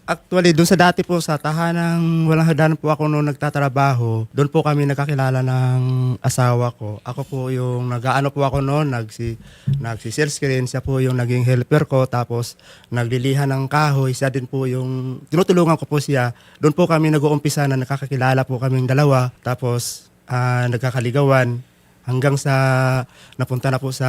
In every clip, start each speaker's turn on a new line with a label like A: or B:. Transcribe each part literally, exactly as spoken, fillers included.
A: Actually, doon sa dati po sa tahanang walang hagdanan po ako noon nagtatrabaho. Doon po kami nakakilala ng asawa ko. Ako po yung nag-aano po ako noon, nagsi nagsi-sales screen, siya po yung naging helper ko, tapos naglilihan ng kahoy, siya din po yung tinutulungan ko po siya. Doon po kami nag-uumpisa na nakakakilala po kaming dalawa, tapos ah, nagkakaligawan hanggang sa napunta na po sa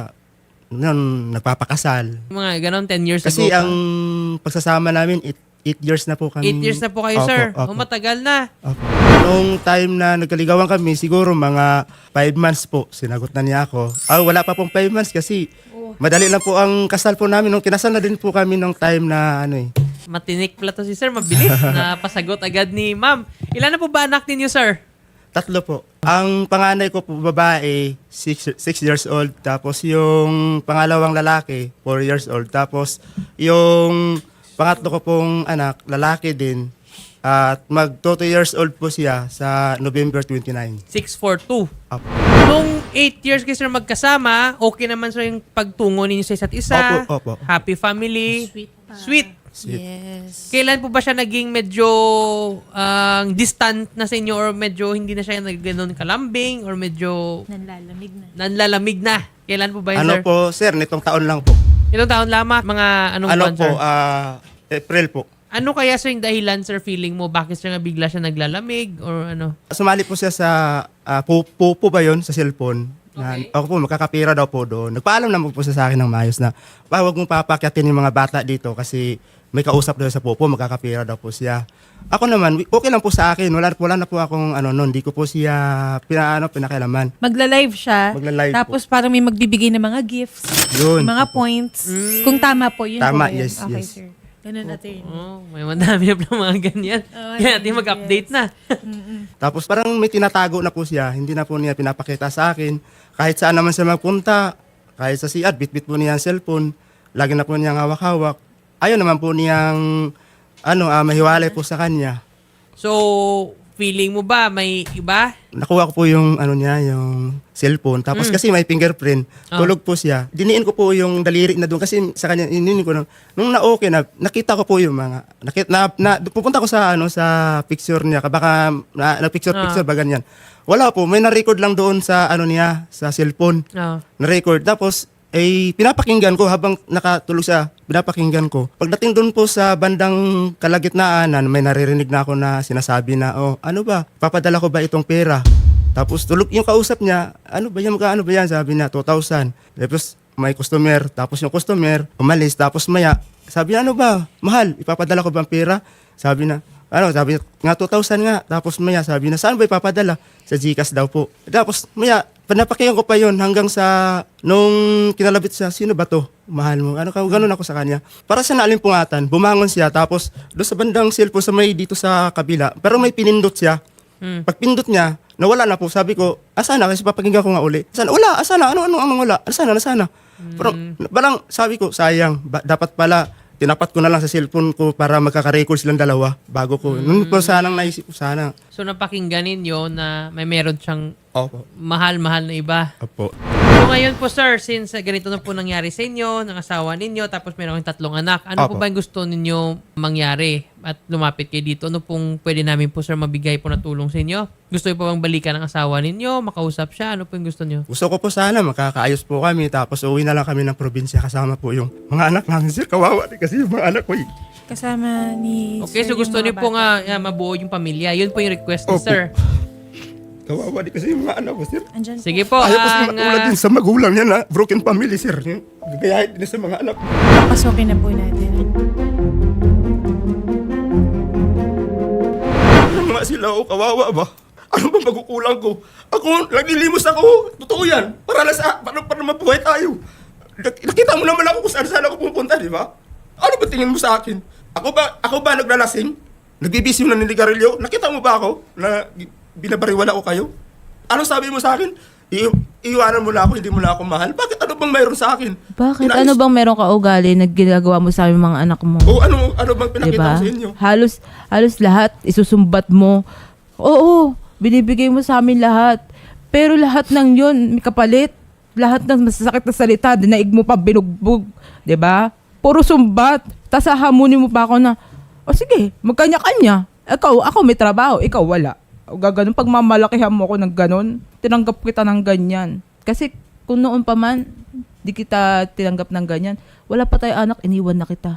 A: noon, nagpapakasal.
B: Mga ganon, ten years
A: Kasi
B: ago.
A: ang pagsasama namin, eight, eight years na po kami.
B: eight years na po kayo,
A: Opo,
B: sir.
A: opo.
B: O, matagal na.
A: Opo. Noong time na nagkaligawan kami, siguro mga five months po, sinagot na niya ako. Ah, wala pa pong five months kasi madali lang po ang kasal po namin. Nung kinasal na din po kami nung time na ano eh.
B: Matinik pala to si sir. Mabilis na pasagot agad ni ma'am. Ilan na po ba anak ninyo, sir?
A: Tatlo po. Ang panganay ko po babae, six, six years old. Tapos yung pangalawang lalaki, four years old. Tapos yung pangatlo ko pong anak, lalaki din. At mag two years old po siya sa November twenty-nine.
B: six four two.
A: Opo.
B: Nung eight years kayo sir magkasama, okay naman sir yung pagtungo ninyo sa isa't isa.
A: Opo, opo.
B: Happy family.
C: Sweet pa.
B: Sweet.
C: Yes.
B: Kailan po ba siya naging medyo ang distant na sa inyo or medyo hindi na siya nagganon kalambing or medyo
C: Nanlalamig na.
B: nanlalamig na? Kailan po ba yun,
A: Ano
B: sir?
A: po, sir, nitong taon lang po.
B: Ilang taon lamang? Mga anong
A: Ano
B: buwan,
A: po,
B: sir?
A: ah, April po.
B: Ano kaya sir yung dahilan, sir, feeling mo? Bakit siya nga bigla siya naglalamig or ano?
A: Sumali po siya sa uh, pupo ba yun sa cellphone. Na,
B: Okay.
A: Ako po, makakapira daw po doon. Nagpaalam naman po siya sa akin ng maayos na, pa, huwag mong papakyatin yung mga bata dito kasi may kausap daw sa pupo, magkakapira daw po siya. Ako naman, okay lang po sa akin. Wala, wala na po akong ano noon, hindi ko po siya pinaano, pinakailaman.
C: Magla-live siya.
A: Magla-live
C: Tapos parang may magbibigay ng mga gifts.
A: Yun.
C: Mga points. Kung tama po, yun
A: Tama,
C: po yun.
A: yes,
C: Okay,
A: yes.
C: sir. Ganun natin.
B: Oh, may madami na pala mga ganyan.
C: Oh,
B: Kaya natin mag-update na.
A: Tapos parang may tinatago na po siya, hindi na po niya pinapakita sa akin. Kahit saan naman siya magpunta, kahit sa C R, bit-bit po niya ang cellphone, lagi na po niyang hawak-hawak. Ayaw naman po niyang ano, ah, mahiwalay po sa kanya.
B: So, feeling mo ba may iba?
A: Nakuha ko po yung ano niya, yung cellphone. Tapos kasi may fingerprint,
B: Oh.
A: tulog po siya. Diniin ko po yung daliri na doon kasi sa kanya ininin ko nung, nung na okay na nakita ko po yung mga nakita na, na pupunta ko sa ano sa picture niya, baka na, na picture picture ba ganyan. Wala po, may na-record lang doon sa ano niya, sa cellphone.
B: Oh.
A: Na-record. Tapos eh pinapakinggan ko habang nakatulog siya, pinapakinggan ko. Pagdating doon po sa bandang kalagitnaan, may naririnig na ako na sinasabi na, oh, ano ba, papadala ko ba itong pera? Tapos tulog yung kausap niya, ano ba yan, magkano ba yan? Sabi niya, two thousand. Tapos may customer, tapos yung customer, umalis, tapos maya, sabi niya, ano ba, mahal, ipapadala ko ba ang pera? Sabi na, ano, sabi niya, nga two thousand nga. Tapos maya, sabi na, saan ba ipapadala? Sa Gcash daw po. Tapos maya, panapakiyan ko pa yon hanggang sa nung kinalabit siya, sino ba to? Mahal mo. Ano ka, ganun ako sa kanya. Para sa naalimpungatan, bumangon siya, tapos doon sa bandang cellphone sa may dito sa kabila, pero may pinindot siya.
B: Hmm.
A: Pag pindot niya, nawala na po. Sabi ko, asana? Kasi papakinggan ko nga uli. Asana? Wala, asana? Ano, ano, ano, wala? Asana, asana? Pero, parang sabi ko, sayang, ba- dapat pala, tinapat ko na lang sa cellphone ko para magkaka-record silang dalawa bago ko. Noon po sanang naisip ko, sana.
B: So, napakinggan ninyo na may meron siyang
A: Opo.
B: mahal-mahal na iba.
A: Opo.
B: So ngayon po sir, since uh, ganito na po nangyari sa inyo, ng asawa ninyo, tapos meron kayong tatlong anak, ano po
A: Opo.
B: ba yung gusto ninyo mangyari at lumapit kayo dito? Ano pong pwede namin po sir mabigay po na tulong sa inyo? Gusto niyo po bang balikan ng asawa ninyo, makausap siya? Ano po yung gusto niyo?
A: Gusto ko po sana makakaayos po kami tapos uwi na lang kami ng probinsya kasama po yung mga anak namin. Sir, kawawa din kasi yung mga anak ko eh.
C: Kasama ni
B: Okay, so
C: sir
B: gusto
C: yung
B: niyo
C: mga
B: po
C: bata.
B: nga yeah, mabuo yung pamilya. Yun po yung request ni
A: Opo.
B: sir.
A: Kawawa din kasi yung mga anak ko, sir.
C: Andyan po.
B: Sige po,
A: Ayaw ko sila
B: ang,
A: matulad
B: ah,
A: din sa magulang niya na broken family, sir. Yung Gagayahin din sa mga anak.
C: Pasokin na po natin.
A: Ano nga sila, oh, kawawa ba? Ano ba magkukulang ko? Ako, naglilimos ako. Totoo yan. Para lang sa, para, para mabuhay tayo. Nak- Nakita mo naman ako kung saan saan ako pupunta, di ba? Ano ba tingin mo sa akin? Ako ba, ako ba naglalasing? Nagbibisyo na niligarilyo? Nakita mo ba ako na binabariwala ko kayo? Ano sabi mo sa akin? I- iiwanan mo na ako, hindi mo na ako mahal. Bakit ano bang mayroon sa akin?
D: Bakit?
A: Inayos-
D: Ano bang meron ka ugali na ginagawa mo sa aming mga anak mo?
A: O ano, ano bang pinakita
D: Diba?
A: ko sa inyo?
D: Halos, halos lahat isusumbat mo. Oo, binibigay mo sa amin lahat. Pero lahat ng yun, may kapalit. Lahat ng masasakit na salita, dinaig mo pa binugbog. Diba? Puro sumbat. Tapos hahamunin mo pa ako na, O sige, magkanya-kanya. Ikaw, ako may trabaho, ikaw wala. O gaganon, pagmamalakihan mo ako ng ganon, tinanggap kita ng ganyan. Kasi kung noon pa man, di kita tinanggap ng ganyan, wala pa tayo anak, iniwan na kita.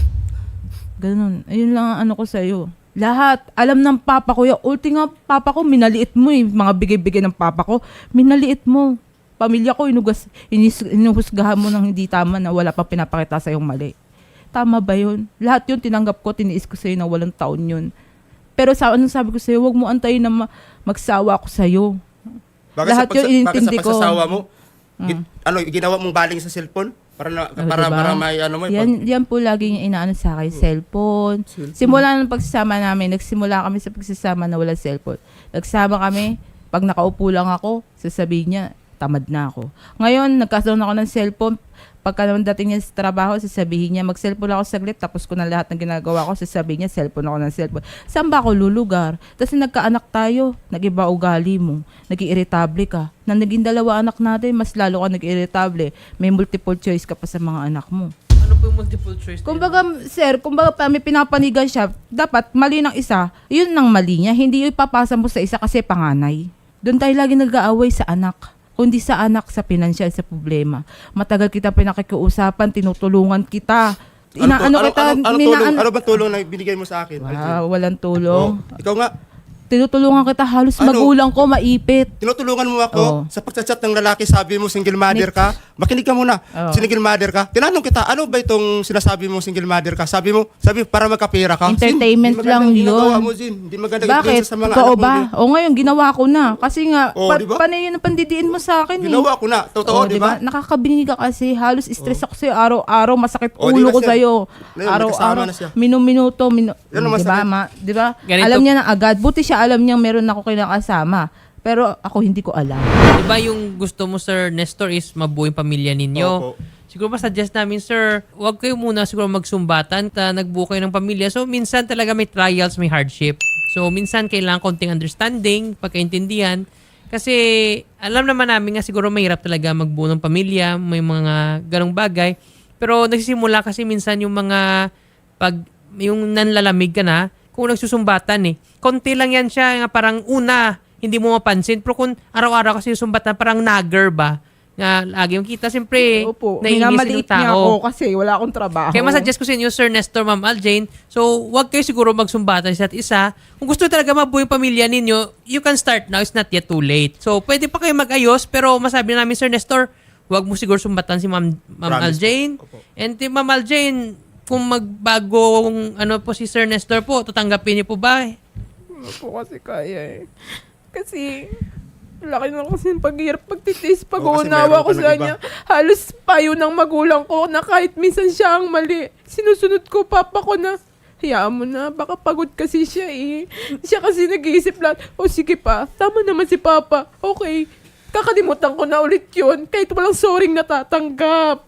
D: Ganon. Ayun lang ang ano ko sa'yo. Lahat, alam ng papa ko, yung ulti nga papa ko, minaliit mo eh, mga bigay-bigay ng papa ko, minaliit mo. Pamilya ko, inugas, inis, inuhusgahan mo ng hindi tama na wala pa pinapakita sa yung mali. Tama ba yun? Lahat yun tinanggap ko, tiniis ko sa'yo na walang taon yun. Pero sa anong sabi ko sa'yo, huwag mo antayin na ma- magsawa ako sa'yo.
A: Baka
D: Lahat
A: sa,
D: yun
A: pagsa-
D: inintindi
A: baka
D: ko.
A: sa pagsasawa mo,
D: Mm.
A: gin- ano, ginawa mong baling sa cellphone? Para, na,
D: Oh,
A: para,
D: diba?
A: para may ano mo.
D: Yan, yan po lagi yung inaano sa akin, cellphone.
A: Cellphone.
D: Simula ng pagsasama namin, nagsimula kami sa pagsasama na walang cellphone. Nagsama kami, pag nakaupo lang ako, sasabihin niya, tamad na ako. Ngayon, nagkaroon ako ng cellphone. Pagka naman dating niya sa trabaho, sasabihin niya, mag-cellphone ako saglit, tapos ko na lahat ng ginagawa ko, sasabihin niya, cellphone ako ng cellphone. Saan ba ako lulugar? Tapos nagkaanak tayo, nag-iba ugali mo, nag-iirritable ka. Na naging dalawa anak natin, mas lalo ka nag-iirritable. May multiple choice ka pa sa mga anak mo.
B: Ano po yung multiple choice?
D: Kumbaga, sir, kumbaga pa may pinapanigan siya, dapat mali ng isa, yun ang mali niya, hindi yung ipapasa mo sa isa kasi panganay. Doon tayo lagi nag-aaway sa anak. Kundi sa anak, sa pinansyal, sa problema. Matagal kita pinakikiusapan, tinutulungan kita. Inaano
A: ano,
D: kita,
A: ano, ano,
D: minaan-
A: tulong, ano ba tulong na binigay mo sa akin?
D: Wow, walang tulong.
A: Oh, ikaw nga,
D: Tinutulungan kita, halos
A: Ano?
D: magulang ko, maipit.
A: tinutulungan mo ako
D: Oo.
A: sa pagchat ng lalaki, sabi mo single mother ka. Makinig ka muna.
D: Oo.
A: Single mother ka. Tinanong kita, ano ba itong sinasabi mo single mother ka? Sabi mo, sabi para magkapera ka. Zin,
D: Entertainment
A: hindi
D: lang
A: magandang ginagawa
D: yun.
A: mo, Zin. Hindi magandang
D: Bakit?
A: influence sa mga
D: Totoo
A: anak mo,
D: ba?
A: Zin.
D: O ngayon, ginawa ko na. Kasi nga,
A: Oo,
D: pa-
A: di ba?
D: panay yun ang pandidiin mo sa akin eh.
A: Ginawa ko na. Totoo,
D: Oo,
A: di ba?
D: Nakakabinig ka kasi. Halos stress ako sa'yo. Araw-araw, masakit
A: Oo, di
D: ulo
A: ba,
D: ko
A: sir?
D: sa'yo.
A: Ngayon,
D: Araw-araw,
A: nagkasama na siya.
D: minum-minuto. Minu-
A: Yan ang
D: di ba,
A: masakit.
D: ma? Di ba?
B: Ganito-
D: Alam niya na agad. Buti siya alam niya meron ako kinakasama. Pero ako hindi ko alam.
B: Diba yung gusto mo, Sir Nestor, is mabuo yung pamilya ninyo?
A: Opo.
B: Siguro pa suggest namin, sir, huwag kayo muna siguro magsumbatan, ta nagbuo kayo ng pamilya. So, minsan talaga may trials, may hardship. So, minsan kailangan konting understanding, pagkaintindihan. Kasi, alam naman namin nga siguro mahirap talaga magbuo ng pamilya, may mga ganong bagay. Pero, nagsisimula kasi minsan yung mga, pag, yung nanlalamig ka na, kung nagsusumbatan eh. Konti lang yan siya, nga parang una, hindi mo mapansin. Pero kung araw-araw kasi yung sumbatan, parang nagger ba? Nga lagi yung kita, siyempre,
D: Opo,
B: naiingis
D: minamaliit
B: yung
D: niya
B: tao.
D: ako kasi wala akong trabaho.
B: Kaya masuggest ko sa inyo, Sir Nestor, Ma'am Aljane, so wag kayo siguro magsumbatan sa isa't isa. Kung gusto talaga mabuo yung pamilya ninyo, you can start now. It's not yet too late. So, pwede pa kayo mag-ayos, pero masabi namin, Sir Nestor, wag mo siguro sumbatan si Ma'am, Ma'am
A: Promise
B: Aljane.
A: po. Opo.
B: And si Ma'am Aljane, kung magbagong ano po si Sir Nestor po, tatanggapin niyo po ba?
D: Hindi po kasi kaya eh. Kasi, laki na kasi ng paghirap, pagtitis,
A: Oo, kasi
D: pag-uunawa
A: meron
D: ko
A: ka
D: sa
A: ng
D: kanya. Halos payo ng magulang ko na kahit minsan siya ang mali. Sinusunod ko, papa ko na, hayaan mo na, baka pagod kasi siya eh. Siya kasi nag-iisip lahat, o sige pa, tama naman si papa. Okay, kakalimutan ko na ulit yun, kahit walang soring natatanggap.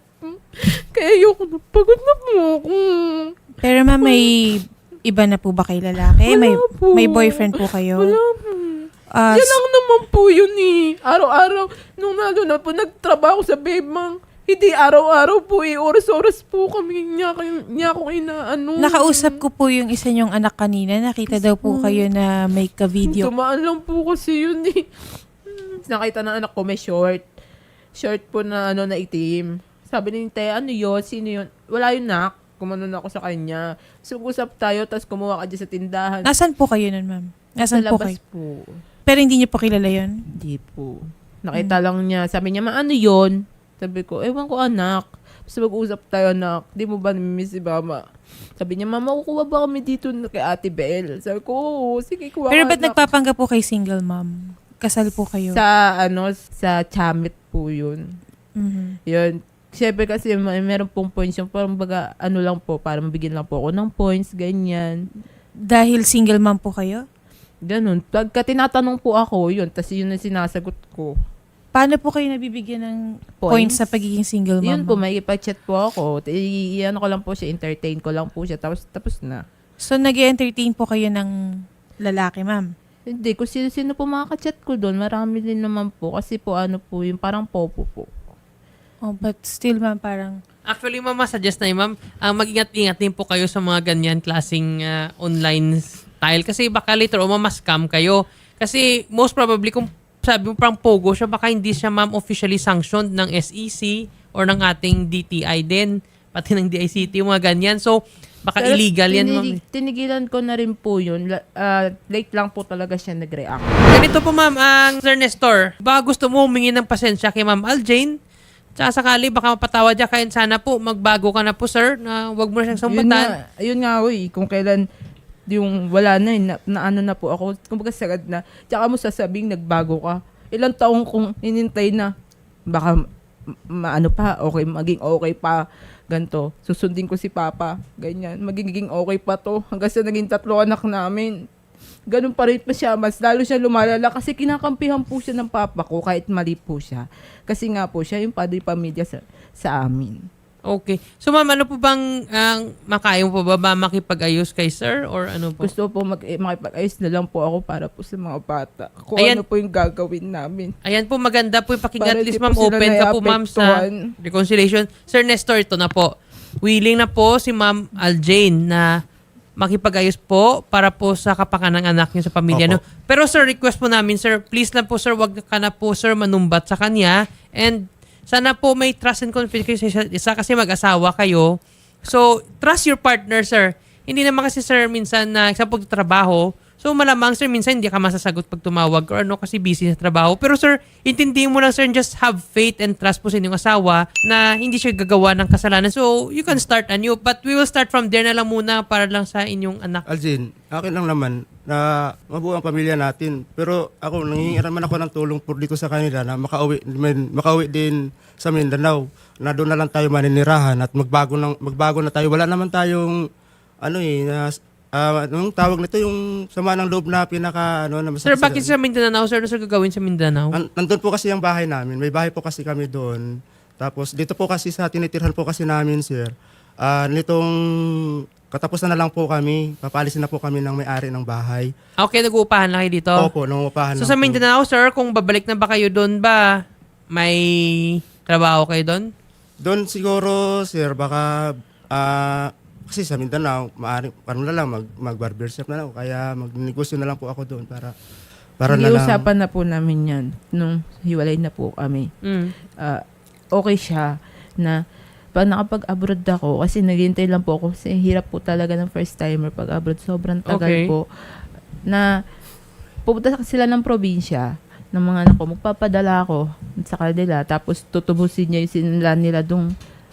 D: Kaya ayoko na, pagod na po ako.
C: Pero ma'am, may iba na po ba kay lalaki?
D: Wala
C: may,
D: po.
C: may boyfriend po kayo?
D: Wala po.
C: Ah,
D: Yan lang naman po yun eh. Araw-araw, nung nalo na po, nagtrabaho sa Bebang. Hindi araw-araw po eh. Oras-oras po kami niya, niya ako inaano.
C: nakausap ko po yung isa niyong anak kanina. Nakita daw po kayo na may ka-video.
D: Tumaan lang po kasi yun eh. Nakita ng anak ko may short. Short po na ano na itim. Sabi ni Te, ano yun? Sino yun? Wala yun, nak. Kumanon ako sa kanya. So, usap tayo, tapos kumuha ka dyan sa tindahan.
C: Nasaan po kayo nun, ma'am?
D: Sa
C: Nasaan po
D: labas
C: kayo?
D: po.
C: Pero hindi niyo po kilala yun?
D: Hindi po. Nakita lang niya. Sabi niya, ma, ano yun? Sabi ko, ewan ko anak. Basta mag-usap tayo anak. Di mo ba namimiss si mama? Sabi niya, mama, kukuha ba kami dito na kay Ate Belle? Sabi ko, oo, sige, kuha
C: Pero
D: ka,
C: ba't
D: anak.
C: nagpapanggap po kay single mom? Kasal po kayo?
D: Sa, ano, sa Chamit po yun.
C: Mhm.
D: Yun. Siyempre kasi may meron pong points yung parang baga, ano lang po, para mabigyan lang po ako ng points, ganyan.
C: Dahil single mom po kayo?
D: Ganun. Pagka tinatanong po ako, yun, tas yun ang sinasagot ko.
C: Paano po kayo nabibigyan ng points,
D: Points?
C: sa pagiging single mom?
D: Yun po,
C: ma'am?
D: may ipag-chat po ako. I- ano ko lang po siya, entertain ko lang po siya, tapos, tapos na.
C: So, nag-entertain po kayo ng lalaki, ma'am?
D: Hindi, kung sino-sino po makaka-chat ko doon, marami din naman po. Kasi po, ano po, yung parang popo po.
C: Oh, but still, ma'am, parang...
B: Actually, ma'am, suggest na yun, ma'am, ang mag-ingat-ingat din po kayo sa mga ganyan klaseng ah, online style. Kasi baka later o mama-scam kayo. Kasi most probably, kung sabi mo parang pogo siya, baka hindi siya, ma'am, officially sanctioned ng S E C or ng ating D T I din. Pati ng D I C T, mga ganyan. So, baka
D: Pero
B: illegal yan, ma'am.
D: tinig- Tinigilan ko na rin po yun. La- ah, late lang po talaga siya nag-react.
B: Ganito po, ma'am, ang Sir Nestor, baka gusto mo humingi ng pasensya kay Ma'am Aljane. Tsaka sakali, baka mapatawad niya. Kaya sana po, magbago ka na po, sir, na wag mo na siyang
D: Yun
B: sambatan.
D: nga, yun nga, uy, kung kailan yung wala na, eh, na, na ano na po ako, kumbaga sagad na. Tsaka mo sasabing nagbago ka. Ilang taong kong inintay na, baka ma- maano pa, okay, maging okay pa, ganto. Susundin ko si Papa, ganyan, magiging okay pa to, hanggang sa naging tatlo anak namin. Ganun pa rin pa siya, mas lalo siya lumalala kasi kinakampihan po siya ng papa ko kahit mali po siya. Kasi nga po siya yung padre pamilya sa, sa amin.
B: Okay. So, ma'am, ano po bang ang makaya mo po ba, ba makipag-ayos kay sir? Or ano po?
D: Gusto po mag, eh, makipag-ayos na lang po ako para po sa mga bata. Kung
B: Ayan.
D: ano po yung gagawin namin.
B: Ayan po, maganda po yung pakinggan.
D: Para
B: At least,
D: di po
B: ma'am,
D: sila
B: open ka po, ma'am, sa
D: naiapektuhan.
B: reconciliation. Sir Nestor, ito na po. Willing na po si Ma'am Aljane na makipag-ayos po para po sa kapakanan ng anak niyo sa pamilya.
A: Opo.
B: No? Pero sir, request po namin, sir, please lang po, sir, wag ka na po, sir, manumbat sa kanya. And sana po may trust and confidence kayo sa isa't isa kasi mag-asawa kayo. So, trust your partner, sir. Hindi naman kasi, sir, minsan na sa pagtatrabaho, so malamang, sir, minsan hindi ka masasagot pag tumawag or ano kasi busy sa trabaho. Pero, sir, intindihin mo lang, sir, and just have faith and trust po sa inyong asawa na hindi siya gagawa ng kasalanan. So, you can start anew. But we will start from there na lang muna para lang sa inyong anak.
A: Aljin, akin lang naman na mabuo ang pamilya natin. Pero ako, nangingiram man ako ng tulong po dito sa kanila na makauwi, din- makauwi din sa Mindanao. Na doon na lang tayo maninirahan at magbago, ng, magbago na tayo. Wala naman tayong, ano eh, na, ah, anong tawag nito, yung sama ng loob na pinaka, ano, na
B: Sir,
A: masakit
B: bakit sa Mindanao, sir? Ano, sir, gagawin sa Mindanao?
A: An- nandun po kasi ang bahay namin. May bahay po kasi kami doon. Tapos dito po kasi sa tinitirhan po kasi namin, sir. Ah, nitong katapusan na lang po kami. Papalisin na po kami ng may-ari ng bahay.
B: Okay, nag-uupahan lang kayo dito?
A: Opo, nangungupahan
B: So
A: lang
B: sa
A: po.
B: Mindanao, sir, kung babalik na ba kayo doon ba, may trabaho kayo doon?
A: Doon siguro, sir, baka ah, kasi sa Mindanao, maaari, parang na lang, mag, mag-barbershop na lang. Kaya magnegosyo na lang po ako doon para para na lang.
D: Nag-iusapan na po namin yan nung hiwalay na po kami.
B: Mm.
D: Ah, okay siya na pag nakapag-abroad ako, kasi naghihintay lang po ako, kasi hirap po talaga ng first timer pag abroad, sobrang tagal
B: Okay.
D: po, na pupunta sila ng probinsya, ng mga anak ko, magpapadala ako sa kanila, tapos tutubusin niya yung sinila nila dong,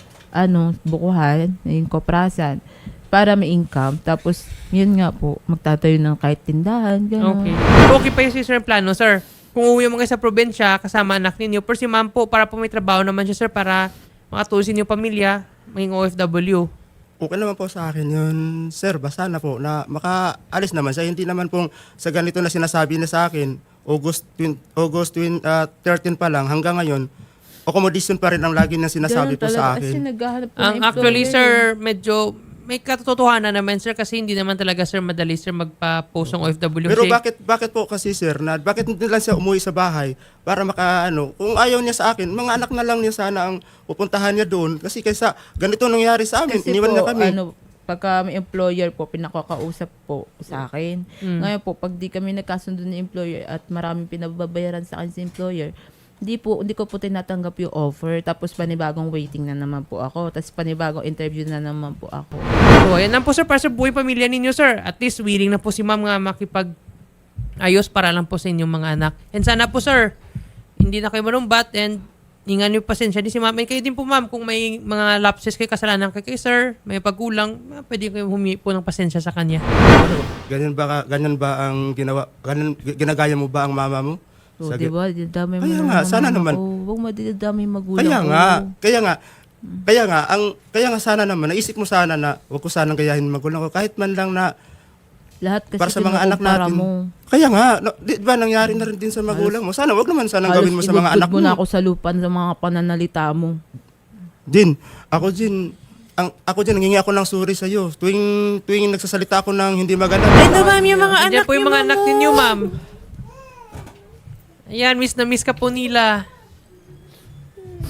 D: ano, bukuhan, yung koprasan, para may income, tapos, yun nga po, magtatayo ng kahit tindahan, gano'n.
B: Okay. Okay pa yung si sir yung plano, sir. Kung uuwi mo kayo sa probinsya, kasama anak ninyo, pero si ma'am po, para po may trabaho naman siya, sir, para makatusin yung pamilya, maging O F W.
A: Okay naman po sa akin yun, sir. Basta na po na makaalis naman siya. Hindi naman pong sa ganito na sinasabi na sa akin, August, twin, August twin, ah, thirteen pa lang, hanggang ngayon, accommodation pa rin ang lagi niyang sinasabi
D: Ganun
A: po sa
D: talaga, Kasi
A: akin.
D: naghahanap po
B: Ang
D: ng
B: actually,
D: employer,
B: sir, medyo may katotohanan naman, sir, kasi hindi naman talaga, sir, madali, sir, magpa-post ng O F W.
A: Pero
B: Kasi-
A: bakit bakit po kasi, sir, na bakit hindi lang siya umuwi sa bahay para maka ano, kung ayaw niya sa akin, mga anak na lang niya sana ang pupuntahan niya doon kasi kaysa ganito nangyari sa amin,
D: Kasi
A: iniwan
D: po,
A: niya kami.
D: ano, pagka may employer po, pinakakausap po sa akin.
B: Mm.
D: Ngayon po, pag di kami nagkasundo ng employer at maraming pinababayaran sa akin sa employer, hindi po, hindi ko po tinatanggap yung offer. Tapos panibagong waiting na naman po ako. Tapos panibagong interview na naman po ako.
B: So, ayan lang po, sir, para sa buhay pamilya ninyo, sir. At least, willing na po si ma'am nga makipag-ayos para lang po sa inyong mga anak. And sana po, sir, hindi na kayo manumbat and hingan niyo pasensya din si ma'am. And kayo din po, ma'am, kung may mga lapses kayo, kasalanan kayo kay sir, may pagkulang, ah, pwede kayo humingi po ng pasensya sa kanya.
A: Ano, ganyan ba ka- ganyan ba ang ginawa ganyan, ginagaya mo ba ang mama mo?
D: So,
A: Sa-
D: di ba? Didamay mo
A: Kaya
D: naman
A: nga,
D: ang
A: sana
D: mama
A: naman.
D: ko. Huwag madidamay yung magulang
A: Kaya
D: ko.
A: nga, kaya nga, kaya nga, ang, kaya nga sana naman, naisip mo sana na, wag ko sanang gayahin magulang ko, kahit man lang na,
D: Lahat kasi
A: para sa mga anak
D: kinukumpara
A: natin.
D: mo.
A: Kaya nga, no, di ba nangyari na rin din sa magulang mo? Sana, wag naman sanang gawin mo sa mga anak
D: mo.
A: mo.
D: na ako sa lupan sa mga pananalita mo.
A: Din, ako din, ang, ako din, nangingi ako ng sorry sa iyo. Tuwing, tuwing nagsasalita ako ng hindi maganda.
C: Ay, no, ma'am, yung mga
B: Nandiyan
C: anak
B: po yung
C: niyo,
B: mga anak
C: ma'am,
B: ninyo,
C: oh.
B: ma'am. Ayan, miss na miss ka po nila.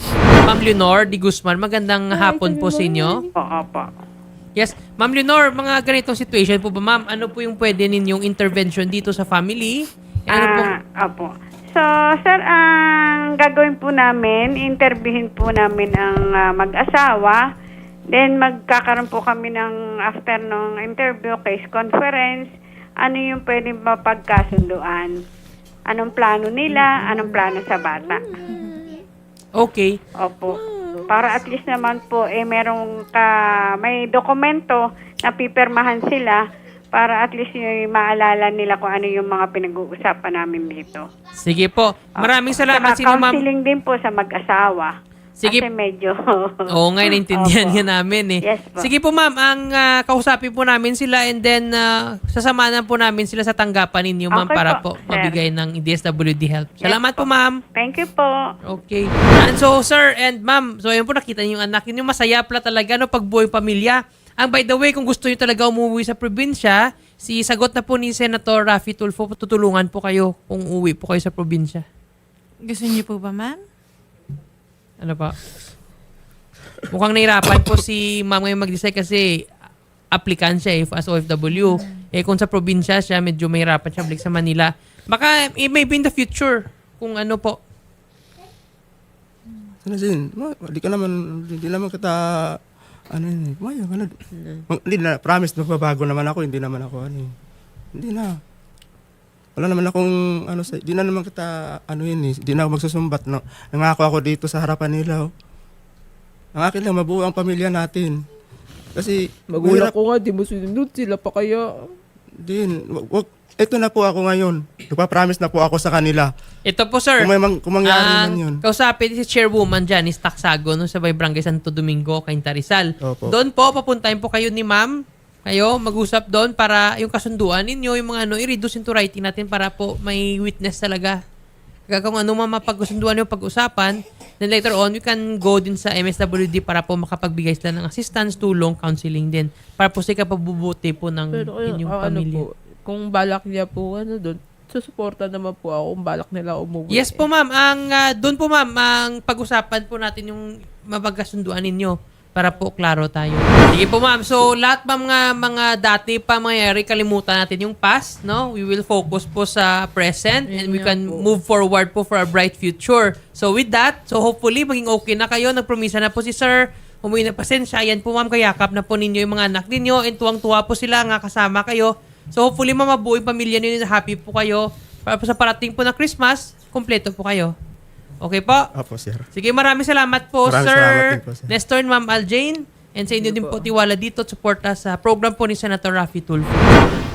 B: Ma'am Leonor Di Guzman, magandang hapon po sa inyo.
E: Po, opo.
B: Yes, Ma'am Leonor, mga ganitong situation po ba, ma'am? Ano po yung pwede ninyong intervention dito sa family? Ano po?
E: Ah, opo. So, sir, ang gagawin po namin, interviewin po namin ang ah, mag-asawa. Then, magkakaroon po kami ng after ng interview, case conference. Ano yung pwedeng mapagkasunduan? Anong plano nila? Anong plano sa bata?
B: Okay.
E: Opo. Para at least naman po, eh, merong ka, may dokumento na pipirmahan sila para at least yung maalala nila kung ano yung mga pinag-uusapan namin dito.
B: Sige po. Maraming salamat
E: Saka
B: sa inyo, ma'am.
E: counseling din po sa mag-asawa.
B: Sige.
E: Kasi medyo...
B: Oo nga, naintindihan
E: Opo.
B: nga namin eh.
E: Yes po.
B: Sige po ma'am, ang ah, kausapin po namin sila and then uh, sasamahan po namin sila sa tanggapan ninyo ma'am
E: Okay
B: para
E: po,
B: po
E: sir.
B: mabigay ng D S W D help. Salamat
E: Yes
B: po
E: po.
B: ma'am.
E: Thank you po.
B: Okay. And so, sir and ma'am, so ayun po nakita niyo yung anak niyo, masaya pala talaga no pagbuhay pamilya. Ang by the way, kung gusto niyo talaga umuwi sa probinsya, si sagot na po ni Senator Raffy Tulfo, tutulungan po kayo kung uwi po kayo sa probinsya.
C: Gusto niyo po ba, ma'am?
B: Ano pa? Mukhang nahirapan po si ma'am ngayon mag-decide kasi applicant siya eh, as O F W. Eh kung sa probinsya siya, medyo mahirapan siya balik sa Manila. Baka eh, maybe in the future, kung ano po.
A: Sana din, ma- di ka naman, di naman kita, ano yun eh, maya, ano, mag- hindi na, promise, magbabago naman ako, hindi naman ako, ano eh. Hindi na. Wala naman akong, ano, sa, di na naman kita, ano yun eh, di na ako magsusumbat, no. Nangako ako dito sa harapan nila, oh. Ang akin lang, mabuo ang pamilya natin. Kasi,
D: Magulang
A: mahirap-
D: ko nga, di mo sinunod sila pa kaya.
A: din, wag, wag, eto na po ako ngayon. Nagpa-promise na po ako sa kanila.
B: Ito po sir.
A: Kung, may mang, kung mangyari man
B: Ang
A: yun.
B: kausapin si Chairwoman Janice Taksago no, sa Bay Barangay Santo Domingo, Cainta Rizal.
A: Opo.
B: Doon po, papuntahin po kayo ni ma'am. Kayo, mag-usap doon para yung kasunduan ninyo, yung mga ano, i-reduce into writing natin para po may witness talaga. Kaya kung ano man mapag-usunduan yung pag-usapan, then later on, you can go din sa M S W D para po makapagbigay sila ng assistance, tulong, counseling din. Para po sa ikapabubuti po ng
D: Pero kaya,
B: inyong
D: ah, ano
B: pamilya.
D: po, kung balak niya po, ano doon, susuporta naman po ako kung balak nila umuwi.
B: Yes po ma'am, ang ah, doon po ma'am, ang pag-usapan po natin yung mapagkasunduan ninyo para po klaro tayo. Sige po ma'am, so lahat mga mga dati pa mangyayari, kalimutan natin yung past, no? We will focus po sa present and we can move forward po for a bright future. So with that, so hopefully maging okay na kayo. Nagpromisa na po si sir, umuwi na pasensya. Yan po ma'am, kayakap na po ninyo yung mga anak ninyo and tuwang-tuwa po sila nga kasama kayo. So hopefully ma'am, mabuo yung pamilya ninyo na happy po kayo. Para po sa parating po na Christmas, kompleto po kayo. Okay po?
A: Opo, sir.
B: Sige, maraming salamat po,
A: Maraming
B: Sir
A: salamat din po, sir.
B: Nestor and Ma'am Aljane. And sa inyo din po tiwala dito at suporta sa program po ni Senator Raffy Tulfo.